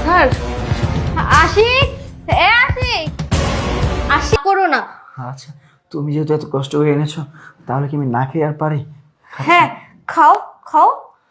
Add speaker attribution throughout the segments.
Speaker 1: Sir Ashiq, Ashiq Ashiq করো না।
Speaker 2: আচ্ছা, তুমি যেহেতু এত কষ্ট করে এনেছো, তাহলে কি আমি না খেয়ে আর পারি?
Speaker 1: হ্যাঁ খাও খাও।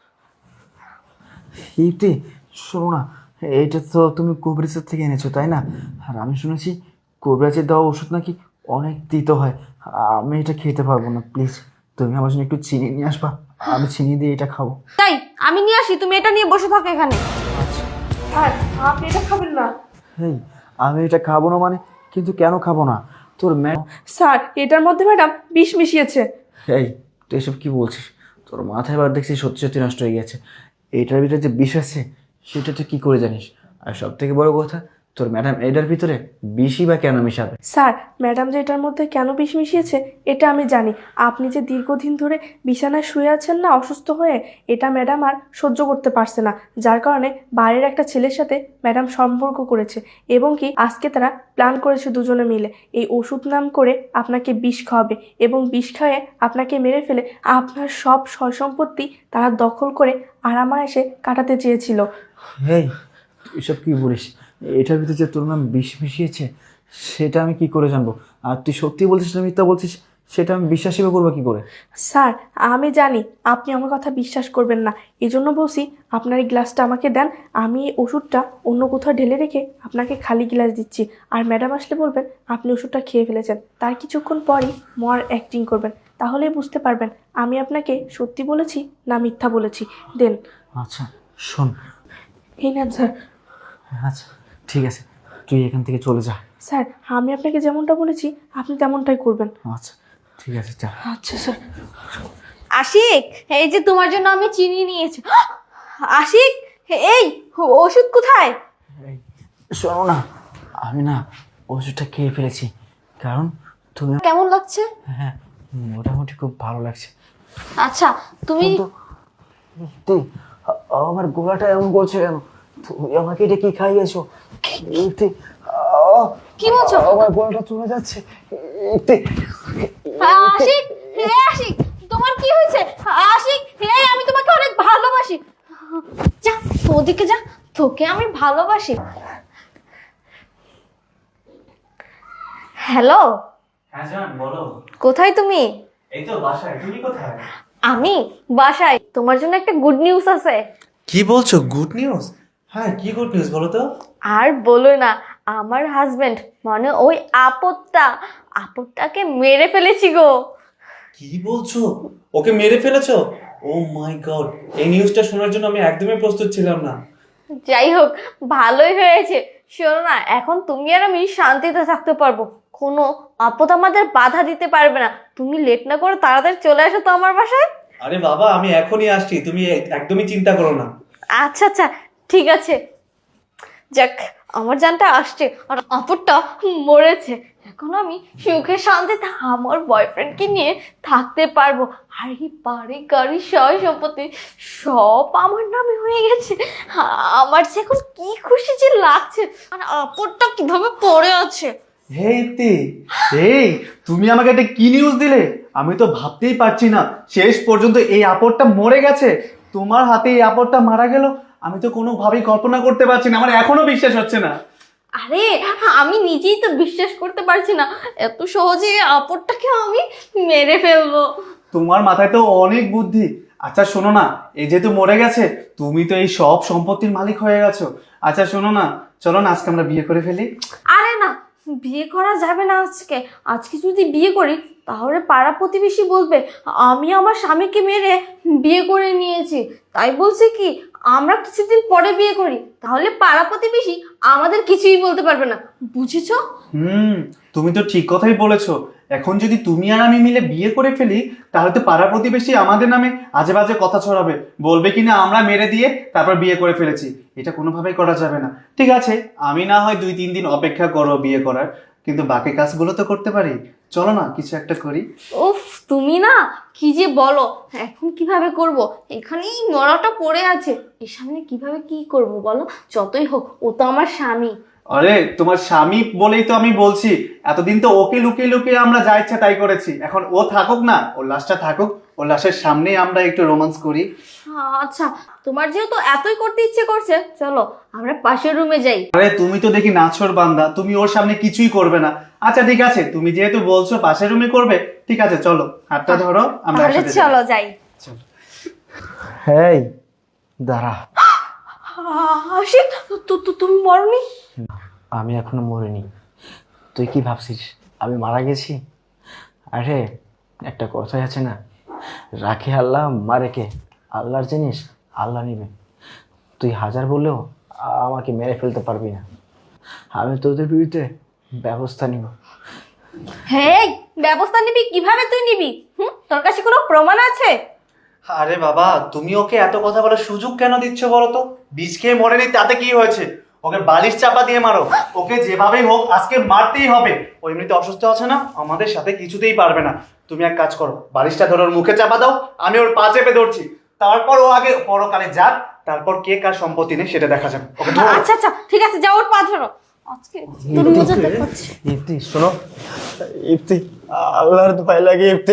Speaker 2: ইতি, শোনো না, এইটা তো তুমি কোবরেজের থেকে এনেছো তাই না? আর আমি শুনেছি কোবরেজের দেওয়া ওষুধ নাকি অনেক তিতো হয়। আমি এটা খেতে পারবো না, প্লিজ তুমি আমার জন্য একটু চিনি নিয়ে আসবা, আমি চিনি দিয়ে এটা খাবো।
Speaker 1: তাই আমি নিয়ে আসি, তুমি এটা নিয়ে বসে থাকো এখানে।
Speaker 2: আচ্ছা।
Speaker 1: স্যার আপনি এটা খাবেন না।
Speaker 2: এই, আমি এটা খাবো না মানে? কিন্তু কেন খাবো না? তোর
Speaker 1: স্যার এটার মধ্যে ম্যাডাম বিষ মিশিয়েছে।
Speaker 2: এই, তুই এসব কি বলছিস? তোর মাথায় এবার দেখছি সত্যি সত্যি নষ্ট হয়ে গেছে। এটার ভিতরে যে বিষ আছে সেটা তুই কি করে জানিস? আর সব থেকে বড় কথা, তোর ম্যাডাম এটার ভিতরে বিষই বা কেন মিশাবে?
Speaker 3: স্যার ম্যাডাম যে এটার মধ্যে কেন বিষ মিশিয়েছে এটা আমি জানি। আপনি যে দীর্ঘদিন ধরে বিছানায় শুয়ে আছেন না অসুস্থ হয়ে, এটা ম্যাডাম আর সহ্য করতে পারছে না, যার কারণে বাইরের একটা ছেলের সাথে ম্যাডাম সম্পর্ক করেছে এবং কি আজকে তারা প্ল্যান করেছে দুজনে মিলে এই ওষুধ নাম করে আপনাকে বিষ খাওয়াবে এবং বিষ খাওয়ে আপনাকে মেরে ফেলে আপনার সব সয় সম্পত্তি তারা দখল করে আরামায়েশে কাটাতে চেয়েছিল।
Speaker 2: এই, এসব কি বলিস? এটার ভিতরে যে তোর নাম বিষ মিশিয়েছে সেটা আমি কি করে জানবো? আর তুই সত্যি বলছিস না মিথ্যা বলছিস সেটা আমি বিশ্বাসই বা করবো কি করে?
Speaker 3: স্যার আমি জানি আপনি আমার কথা বিশ্বাস করবেন না, এই জন্য বলছি আপনার এই গ্লাসটা আমাকে দেন, আমি এই ওষুধটা অন্য কোথাও ঢেলে রেখে আপনাকে খালি গ্লাস দিচ্ছি। আর ম্যাডাম আসলে বলবেন আপনি ওষুধটা খেয়ে ফেলেছেন, তার কিছুক্ষণ পরই মর অ্যাক্টিং করবেন, তাহলেই বুঝতে পারবেন আমি আপনাকে সত্যি বলেছি না মিথ্যা বলেছি। দেন।
Speaker 2: আচ্ছা শোন।
Speaker 3: এই নেন স্যার।
Speaker 2: আচ্ছা ঠিক আছে, তুই এখান থেকে চলে যা।
Speaker 3: স্যার আমি আপনাকে যেমনটা বলেছি আপনি তেমনটাই করবেন।
Speaker 2: আচ্ছা ঠিক আছে, যা।
Speaker 3: আচ্ছা স্যার।
Speaker 1: আশিক এই যে তোমার জন্য আমি চিনি নিয়েছি। আশিক এই ওষুধ কোথায়?
Speaker 2: এই, শোনো না, আমি না ওষুধটা খেয়ে ফেলেছি, কারণ তুমি।
Speaker 1: কেমন লাগছে?
Speaker 2: হ্যাঁ, মোটামুটি খুব ভালো লাগছে।
Speaker 1: আচ্ছা তুমি
Speaker 2: কিন্তু তুই আমার গলাটা এমন করছে কেন? তুমি আমাকে এটা কি খাইয়েছো? তুই
Speaker 1: কি বলছো?
Speaker 2: আমার গলাটা চলে যাচ্ছে। তুই
Speaker 1: আশিক, হে আশিক তোমার কি হয়েছে? আশিক হে আমি তোমাকে অনেক ভালোবাসি। যা ওদিকে যা, তোকে আমি ভালোবাসি। হ্যালো,
Speaker 2: হ্যাঁ জান, বলো।
Speaker 1: কোথায় তুমি?
Speaker 2: এই তো বাসায়, তুমি কোথায়?
Speaker 1: আমি বাসায়। তোমার জন্য একটা গুড নিউজ আছে।
Speaker 2: কি বলছো, গুড নিউজ? হ্যাঁ, কি গুড নিউজ বলো তো?
Speaker 1: আর বলো না, আমার হাজবেন্ড মানে ওই আপদটাকে মেরে ফেলেছি গো।
Speaker 4: কি বলছো? ওকে মেরে ফেলেছো? ও মাই গড, এই নিউজটা শোনার জন্য আমি একদমই প্রস্তুত ছিলাম না।
Speaker 1: যাই হোক ভালোই হয়েছে। শোনো না, এখন তুমি আর আমি শান্তিতে থাকতে পারবো, কোনো আপদ আমাদের বাধা দিতে পারবে না। তুমি লেট না করে তাড়াতাড়ি চলে আসো তো আমার বাসায়।
Speaker 4: আরে বাবা, আমি এখনই আসছি, তুমি একদমই চিন্তা করো না।
Speaker 1: আচ্ছা আচ্ছা ঠিক আছে। যাক আমার জানটা আসছে আর আপদটা মরেছে, এখন আমি সুখে শান্তিতে আমার বয়ফ্রেন্ডকে নিয়ে থাকতে পারবো। আর এই বাড়ি গাড়ি সয় সম্পত্তি সব আমার নামে হয়ে গেছে। আমার যে এখন কি খুশি যে লাগছে, আর আপদটা কিভাবে পড়ে আছে।
Speaker 4: হেই তে, এই তুমি আমাকে একটা কি নিউজ দিলে? আমি তো ভাবতেই পারছি না, শেষ পর্যন্ত এই আপদটা মরে গেছে। তোমার হাতে এই আপদটা মারা গেল, আমি তো কোনোভাবেই কল্পনা করতে পারছি না, আমার এখনো বিশ্বাস হচ্ছে না।
Speaker 1: আরে আমি নিজেই তো বিশ্বাস করতে পারছি না, এত সহজে এই আপদটাকে আমি মেরে ফেলবো।
Speaker 4: তোমার মাথায় তো অনেক বুদ্ধি। আচ্ছা শোনো না, এই যেহেতু মরে গেছে, তুমি তো এই সব সম্পত্তির মালিক হয়ে গেছো। আচ্ছা শোনো না, চলো না আজকে আমরা বিয়ে করে ফেলি।
Speaker 1: আরে না, বিয়ে করা যাবে না আজকে। আজকে যদি বিয়ে করি তাহলে পাড়া প্রতিবেশী বলবে আমি আমার স্বামীকে মেরে বিয়ে করে নিয়েছি। তাই বলছে কি আমরা কিছুদিন পরে বিয়ে করি, তাহলে পাড়া প্রতিবেশী আমাদের কিছুই বলতে পারবে না, বুঝেছো?
Speaker 4: তুমি তো ঠিক কথাই বলেছো। এখন যদি তুমি আর আমি মিলে বিয়ে করে ফেলি, তাহলে তো পাড়া প্রতিবেশী আমাদের নামে আজে বাজে কথা ছড়াবে, বলবে কিনা আমরা মেরে দিয়ে তারপর বিয়ে করে ফেলেছি। এটা কোনোভাবেই করা যাবে না। ঠিক আছে, আমি না হয় 2-3 দিন অপেক্ষা করো বিয়ে করার, কিন্তু বাকি কাজগুলো তো করতে পারি। চলো না কিছু একটা করি।
Speaker 1: উফ তুমি না কি যে বলো, এখন কিভাবে করব? এখানেই মরাটা পড়ে আছে, এর সামনে কিভাবে কি করব বলো? যতই হোক ও তো আমার স্বামী।
Speaker 4: আরে তোমার স্বামী বলেই তো আমি বলছি, এতদিন তো ওকে লুকিয়ে লুকিয়ে আমরা যা ইচ্ছা তাই করেছি, এখন ও থাকুক না, ওর লাশটা থাকুক, ওর লাশের সামনেই আমরা একটু রোমান্স করি।
Speaker 1: আচ্ছা, তোমার যেহেতু এতই করতে ইচ্ছে করছে, চলো আমরা পাশের রুমে যাই।
Speaker 4: আরে তুমি তো দেখি নাছর বান্দা, তুমি ওর সামনে কিছুই করবে না। আচ্ছা ঠিক আছে, তুমি যেহেতু বলছো পাশের রুমে করবে, ঠিক আছে চলো হাতটা ধরো, আমরা
Speaker 1: তাহলে
Speaker 4: একসাথে যাই।
Speaker 1: চলো যাই।
Speaker 4: চলো।
Speaker 2: হেই দাঁড়া,
Speaker 1: আশিক, তুমি মরনি?
Speaker 2: আমি এখনো মরিনি। তুই কি ভাবছিস আমি মারা গেছি? আরে একটা কথাই আছে না, রাখে আল্লাহ মারে কে, আল্লাহর জিনিস আল্লাহ নিবে। তুই হাজার বললেও আমাকে মেরে ফেলতে পারবি না। আমি তোদের বিরুদ্ধে ব্যবস্থা নিব।
Speaker 1: হ্যাঁ, ব্যবস্থা নিবি? কিভাবে তুই নিবি? তোর কাছে কোনো প্রমাণ আছে?
Speaker 4: আরে বাবা, তুমি ওকে এত কথা বলার সুযোগ কেন দিচ্ছ বলো তো? বিষ খেয়ে মরেনি তাতে কি হয়েছে? ওকে বালিশ চাপা দিয়ে মারো, ওকে যেভাবেই হোক আজকে মারতেই হবে। ও এমনিতে অসুস্থ আছে না, আমাদের সাথে কিছুতেই পারবে না। তুমি এক কাজ করো, বালিশটা ধরো ওর মুখে চাপা দাও, আমি ওর পা চেপে ধরছি। তারপর ও আগে পরকালে যাক, তারপর কে কার সম্পত্তি নেই সেটা দেখা যাবে। ওকে ধরো।
Speaker 1: আচ্ছা আচ্ছা ঠিক আছে, যাও ওর পা ধরো। আজকে তোর মজাটা করছি।
Speaker 2: ইফতি শোনো, ইফতি আল্লাহর দোহাই লাগে ইফতি,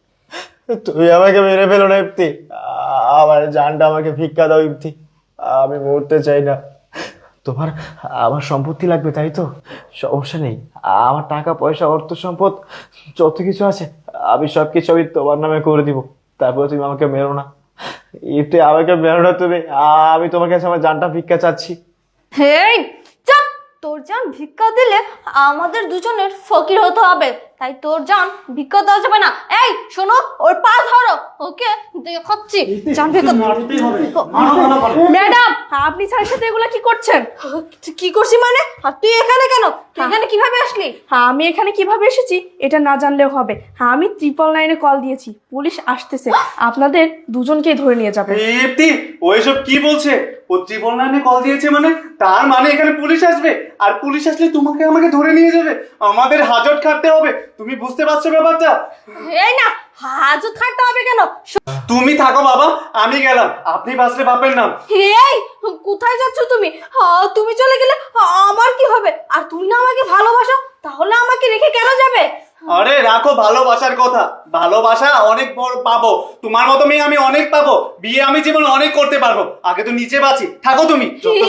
Speaker 2: তুমি আমাকে মেরে ফেলো না ইফতি, আমার জানটা আমাকে ভিক্ষা দাও ইফতি, আমি মরতে চাই না। তোমার আমার সম্পত্তি লাগবে তাই তো? সমস্যা নেই, আমার টাকা পয়সা অর্থ সম্পদ যত কিছু আছে আমি সব কিছু আমি তোমার নামে করে দিব, তারপরে তুমি আমাকে মেরো না ইফতি, আমাকে মেরো না তুমি, আমি তোমার কাছে আমার জানটা ভিক্ষা চাচ্ছি।
Speaker 1: হেই চাপ, তোর জান ভিক্ষা দিলে আমাদের দুজনের ফকির হতে হবে, তাই তোর জান ভিক্ষা দেওয়া যাবে না। এই শোনো, ওর পা ধরো, ওকে দেখাচ্ছি জান ভিক্ষা।
Speaker 4: মারতেই হবে, মারো ভালো করে।
Speaker 3: ম্যাডাম, আপনি স্যারের সাথে এগুলো কি করছেন?
Speaker 1: কি করছি মানে? আর তুই এখানে কেন? তুই এখানে কিভাবে আসলি?
Speaker 3: হ্যাঁ, আমি এখানে কিভাবে এসেছি এটা না জানলেও হবে। হ্যাঁ, আমি 999-এ কল দিয়েছি, পুলিশ আসতেছে, আপনাদের দুজনকেই ধরে নিয়ে যাবে।
Speaker 4: ইফতি ওইসব কি বলছে? ও জীবন লাইনে কল দিয়েছে মানে, তার মানে এখানে পুলিশ আসবে, আর পুলিশ আসলে তোমাকে আমাকে ধরে নিয়ে যাবে, আমাদের হাজত খাটতে হবে। তুমি বুঝতে পারছো ব্যাপারটা?
Speaker 1: এই না, হাজত খাটতে হবে কেন?
Speaker 4: তুমি থাকো বাবা, আমি গেলাম, আপনি বাঁচলে বাপের নাম।
Speaker 1: এই কোথায় যাচ্ছ তুমি? তুমি চলে গেলে আমার কি হবে? আর তুমি না আমাকে ভালোবাসো, তাহলে আমাকে রেখে কেন যাবে?
Speaker 4: আরে রাখো ভালোবাসার কথা, ভালোবাসা অনেক বড় পাবো, তোমার মতো মেয়ে আমি অনেক পাবো, বিয়ে আমি জীবন অনেক করতে পারবো, আগে তো নিচে বাঁচি, থাকো তুমি।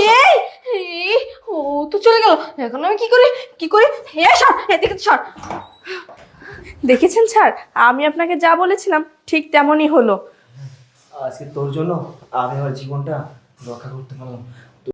Speaker 1: এই, ও তো চলে গেল, এখন আমি কি করি? হে সর, এদিকে সর।
Speaker 3: দেখেছেন স্যার, আমি আপনাকে যা বলেছিলাম ঠিক তেমনই হলো।
Speaker 2: আজকে তোর জন্য আমি আমার জীবনটা রক্ষা করতে পারলাম।